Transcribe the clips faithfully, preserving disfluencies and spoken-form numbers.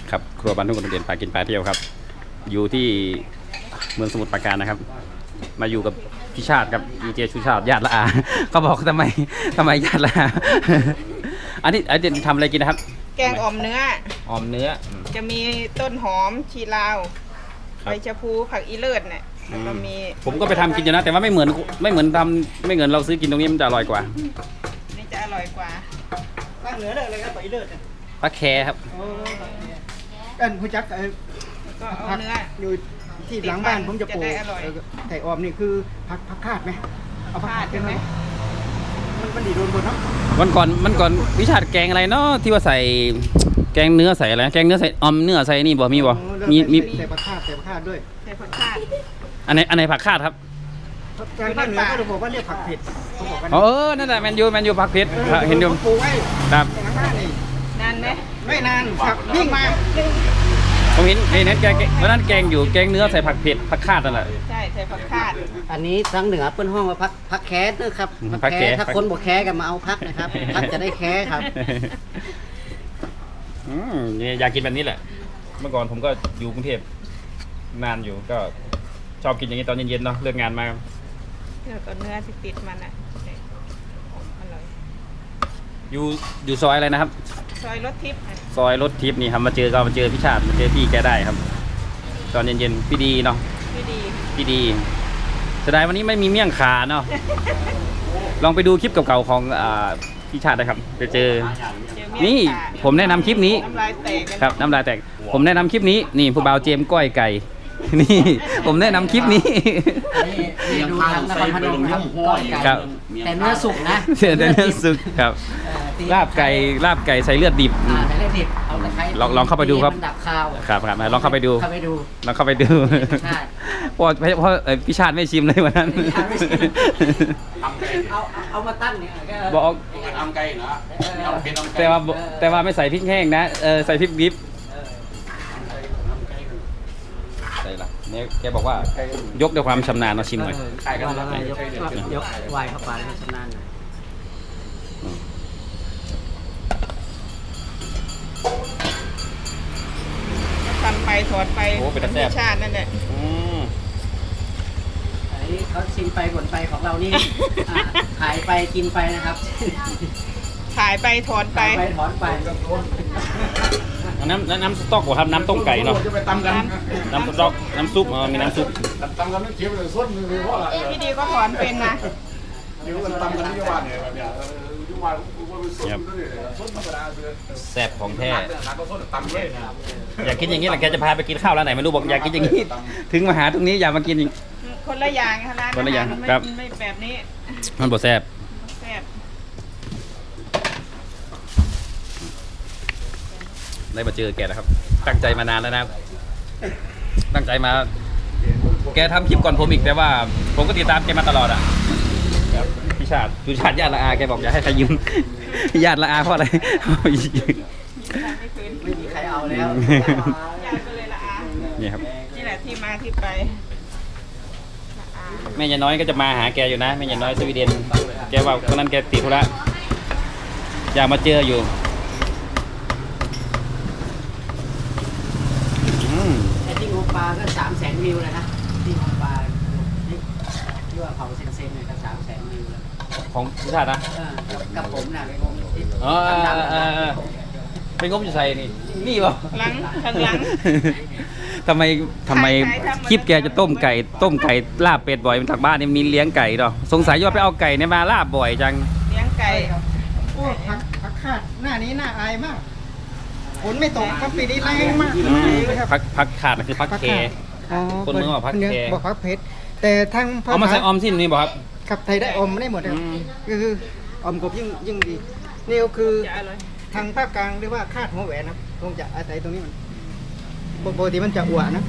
ครับครัวบ้านทุ่งกระเดียนปลากินปลาเที่ยวครับอยู่ที่เมืองสมุทรปราการนะครับมาอยู่กับพี่ชาติครับดีเจชูชาติญาติละอาเขาบอกทำไมทำไมญาติละอาอันนี้อันนี้ทำอะไรกินนะครับแกงอ่อมเนื้ออ่อมเนื้อจะมีต้นหอมชีลาวใบชะพูผักอีเลิศเนี่ยแล้วก็มีผมก็ไปทำกินอยู่นะแต่ว่าไม่เหมือนไม่เหมือนทำไม่เหมือนเราซื้อกินตรงนี้มันจะอร่อยกว่านี่จะอร่อยกว่าภาคเหนือเลยอะไรครับผักอีเลิศเนี่ยปลาแคครับเอ็นผู้จักไอ้ก็เอาเนื้ออยู่ที่หลังบ้านผมจะปลูกไก่ออมนี่คือผักผักคาดไหมเอาผักคาดใช่ไหมมันมันดีโดนบนเนาะวันก่อนมันก่อนวิชาแกงอะไรเนาะที่ว่าใส่แกงเนื้อใส่อะไรแกงเนื้อใส่ออมเนื้อใส่นี่บ่มีบ่มีมีใส่ผักคาดใส่ผักคาดด้วยใส่ผักคาดอันไหนอันไหนผักคาดครับทางภาคเหนือเขาบอกว่าเรียกผักเผ็ดเขาบอกกันเออนั่นแหละแมนยูแมนยูผักเผ็ดเห็นดูปลูกไว้ครับนานไหมไม่นานผักยิ่งมาผมเห็นเห็นนั้นแกงวันนั้นแกงอยู่แกงเนื้อใส่ผักเผ็ดผักคาดนั่นแหละใช่ใส่ผักคาดอันนี้ทางเหนือเป็นห้องว่าพักพักแคสนะครับพักแคสถ้าคนบอกแคสกันมาเอาพักนะครับพักจะได้แคสครับอืมอยากกินแบบนี้แหละเมื่อก่อนผมก็อยู่กรุงเทพนานอยู่ก็ชอบกินอย่างนี้ตอนเย็นๆเนาะเลิกงานมาแล้วก็เนื้อที่ติดมันอ่ะอร่อยอยู่อยู่ซอยอะไรนะครับซอยรถทิพย์ซอยรถทิพย์นี่ครับมาเจอก็มาเจอพี่ชาติมาเจอพี่แกได้ครับตอนเย็นๆพี่ดีเนาะพี่ดีพี่ดีเสียดายวันนี้ไม่มีเมี่ยงขาเนาะลองไปดูคลิปเก่าๆของพี่ชาตินะครับไปเจอนี่ผมแนะนำคลิปนี้ครับน้ำลายแตกผมแนะนำคลิปนี้นี่ผู้บ่าวเจมก้อยไก่นี่ผมแนะนำคลิปนี้ดูทางนครพนมครับก้อยไก่แต่เนื้อสุกนะแต่เนื้อสุกครับลาบไก่ลาบไก่ใส่เลือดดิบใส่เลือดดิบเอาตะไคร้ลองลองเข้าไปดูครับดับคาวครับครับลองเข้าไปดูเข้าไปดูลองเข้าไปดูเพราะเพราะพี่ชาติไม่ชิมเลยวันนั้นเอาเอามาตั้งเนี่ยบอกทำไก่เนาะแต่ว่าแต่ว่าไม่ใส่พริกแห้งนะเออใส่พริกดิบใส่ละเนี่ยแกบอกว่ายกด้วยความชำนาญมาชิมหน่อยใช่กันแล้วยกยกไวเข้าไปให้ชำนาญหน่อยทำไปถอดไปเป็นธรรมชาตินั่นแหละอันนี้เขาชิมไปบ่นไปของเรานี่ขายไปกินไปนะครับขายไปถอนไปถอนไปน้ำน้ำสต๊อกเหรอครับน้ำต้มไก่เนาะจะไปตำกันน้ำสต๊อกน้ำซุปมีน้ำซุปตำกันไม่เคี้ยวเลยส้นเลยเพราะอะไรพี่ดีก็ถอนเป็นนะเดี๋ยวมันตำกันที่ว่าเนี่ยแบบเนี้ยที่ว่าว่าเป็นส้นส้นธรรมดาเลยแซ่บของแท้ตำเลยอยากกินอย่างนี้แหละแกจะพาไปกินข้าวร้านไหนไม่รู้บอกอยากกินอย่างนี้ถึงมาหาตรงนี้อยากมากินคนละอย่างค่ะร้านคนละอย่างครับไม่แบบนี้มันบ่แซ่บแซ่บได้มาเจอแกนะครับตั้งใจมานานแล้วนะตั้งใจมาแกทำคลิปก่อนผมอีกแต่ว่าผมก็ติดตามแกมาตลอดอ่ะพี่ชาติพี่ชาติญาติละอาแกบอกอย่าให้ใครยืมญาติละอาเพราะอะไรไม่มีใครเอาแล้วญาติก็เลยละอานี่ครับนี่แหละที่มาที่ไปแม่ยายน้อยก็จะมาหาแกอยู่นะแม่ยายน้อยสวีเดนแกว่าวันนั้นแกติดธุระอยากมาเจออยู่ที่งปลาก็สามแสนวิวเลยนะที่งปลาที่ว่าเผาเซนเซนเนี่ยก็สามแสนวิวแล้วของพิชาตินะกับผมน่ะไปงมที่อ๋อไปงมอยู่ใส่นี่นี่ป่ะหลังข้างหลังทำไมทำไมคลิปแกจะต้มไก่ต้มไก่ลาบเป็ดบ่อยมันทางบ้านนี่มีเลี้ยงไก่หรอสงสัยว่าไปเอาไก่เนี่ยมาลาบบ่อยจังเลี้ยงไก่โอ้ผักผักคาดหน้านี้น่าอายมากฝนไม่ตกครับปีนี้แรงมากพักพักขาดคือพักเคคนเมืองบอกพักเคบอกพักเพชรแต่ทางเอามาใส่ออมสิ้นนี่บอกครับขับไทยได้อมได้หมดครับคืออมกบยิ่งยิ่งดีนี่ก็คือทางภาคกลางเรียกว่าคาดหัวแหวนนะคงจะอาศัยตรงนี้มันปกติมันจะอ้วนนะ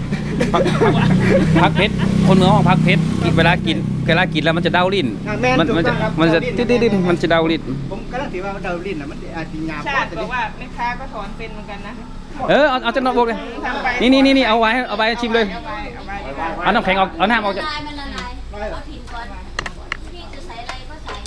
พักเพชรคนเมืองของพักเพชรเวลากินเวลากินแล้วมันจะเด้าลิ้นมันมันจะมันจะดิ้นมันจะเด้าลิ้นผมก็ต้องถือว่าเด้าลิ้นนะมันอาจจะหยาบชาติบอกว่าแม่ค้าก็ถอนเป็นเหมือนกันนะเออเอาเอาจะนอกบอกเลยนี่นี่นี่นี่เอาไว้เอาไว้ชิมเลยเอาน้ำแข็งเอาเอาน้ำเอาจะเอาถิ่นก่อนพี่จะใส่อะไรก็ใส่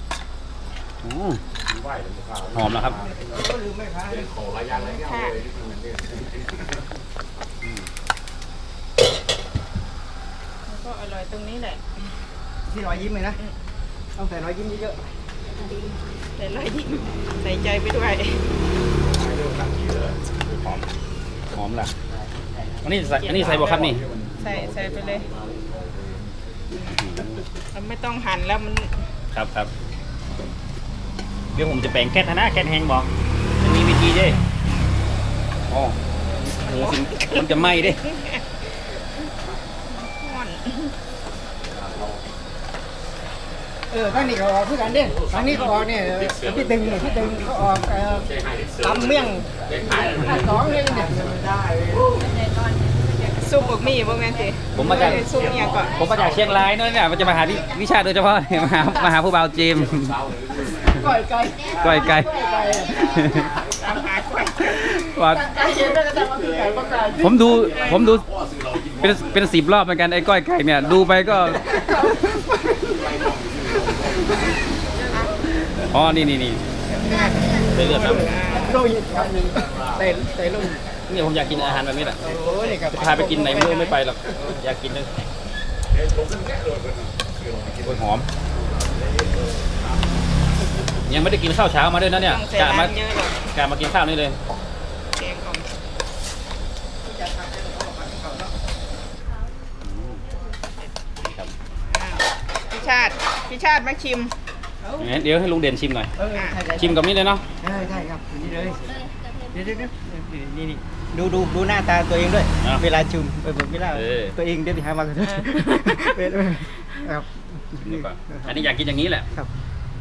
เนี่ยหอมแล้วครับก็อร่อยตรงนี้แหละที่รอยยิ้มเลยนะต้องใส่รอยยิ้มเยอะแต่รอยยิ้มใส่ใจไปด้วยหอมหอมล่ะอันนี้ใส่อันนี้ใส่บ่ครับนี่ใส่ใส่ไปเลยมันไม่ต้องหั่นแล้วมันครับครับเดี๋ยวผมจะแบ่งแก๊สนะแก๊สแห้งบอกมันมีวิธีเด้อ๋อโหสิมันจะไหม้เด้ห่อนๆเออข้างนี้ก็ออกเพื่อกันเด้ข้างนี้ก็ออกเนี่ยพี่ตึงเนี่ยพี่ตึงก็ออกเอ่อตำเมี่ยงข้าวสองเลยเนี่ยซุปบะหมี่บ่แม่นสิผมมาจากซุปเนี่ยก่อนผมมาจากเชียงรายเนอะเนี่ยมันจะมาหาพี่วิชาโดยเฉพาะ มาหามาหาผู้บ่าวเจมส์ก้อยไก่ก้อยไก่ตามหาก่อนว่าไก่เย็นได้ก็แต่ว่าคือไก่ก็ไก่ผมดูผมดูเป็นเป็นสิบรอบเหมือนกันไอ้ก้อยไก่เนี่ยดูไปก็อ๋อนี่นี่นี่ใส่เลือดนะโรยครับหนึ่งเตะเตะลงนี่ผมอยากกินอาหารแบบนี้แหละโอ้ยนี่ครับพาไปกินไหนไม่รู้ไม่ไปหรอกอยากกินเลยโอ้ยหอม ยังไม่ได้กินข้าวเช้ามาด้วยนะเนี่ยต้องใส่กะมาน้ำเยอะหรอกกะมากินข้าวนี่เลยแกงอ่อมครับอ้าวพี่ชาติพี่ชาติมาชิมงั้นเดี๋ยวให้ลุงเด่นชิมหน่อยเออใช่ใช่ชิมกับนี่เลยเนาะใช่ใช่ครับนี่เลยเดี๋ยวเดี๋ยวเดี๋ยวนี่นี่ดูดูดูหน้าตาตัวเองด้วย เวลาชุมเออเวลาตัวเองเดี๋ยวไปหามากันครับนี่ก่อนอันนี้อยากกินอย่างนี้แหละครับ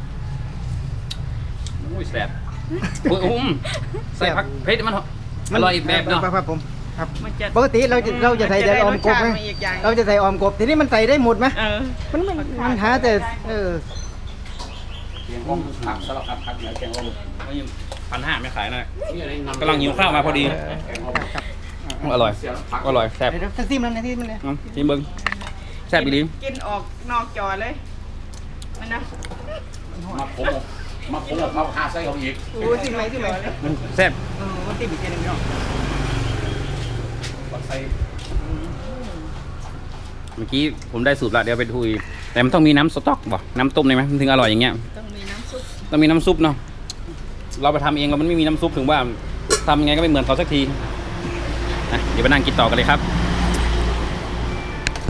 อุ้ยแซ่บอุ้ยอุ้มใส่ผักเผ็ดมันอร่อยอีกแบบเนาะครับผมครับมันจะปกติเราจะเราจะใส่แต่ออมกบนไหมจะได้รสชาติมาอีกอย่างเราจะใส่ออมกบทีนี้มันใส่ได้หมดไหมเออมันมันมันหาแต่เออแกงอ้อมผักสลับผักเนี่ยแกงอ้อมพันห้าไม่ขายนะกำลังหิวข้าวมาพอดีแกงอ้อมครับอร่อยเสียผักอร่อยแซ่บเดี๋ยวจะซิมแล้วนะที่มันเลยอืมชิมเบิ้งแซ่บอีหลีกินออกนอกจอเลยมันนะมาผมมาผมกับข้าวหาไส้เขาอีกโอ้สิไหมสิไหมมันแซ่บเออมันติดอีกทีหนึงเนาะใส่เมื่อกี้ผมได้สูตรละเดี๋ยวไปดูอีกแต่มันต้องมีน้ำสต๊อกบ่น้ำต้มได้ไหมมันถึงอร่อยอย่างเงี้ยต้องมีน้ำซุปต้องมีน้ำซุปเนาะเราไปทำเองเรามันไม่มีน้ำซุปถึงว่าทำยังไงก็ไม่เหมือนเขาสักทีนะเดี๋ยวไปนั่งกินต่อกันเลยครับ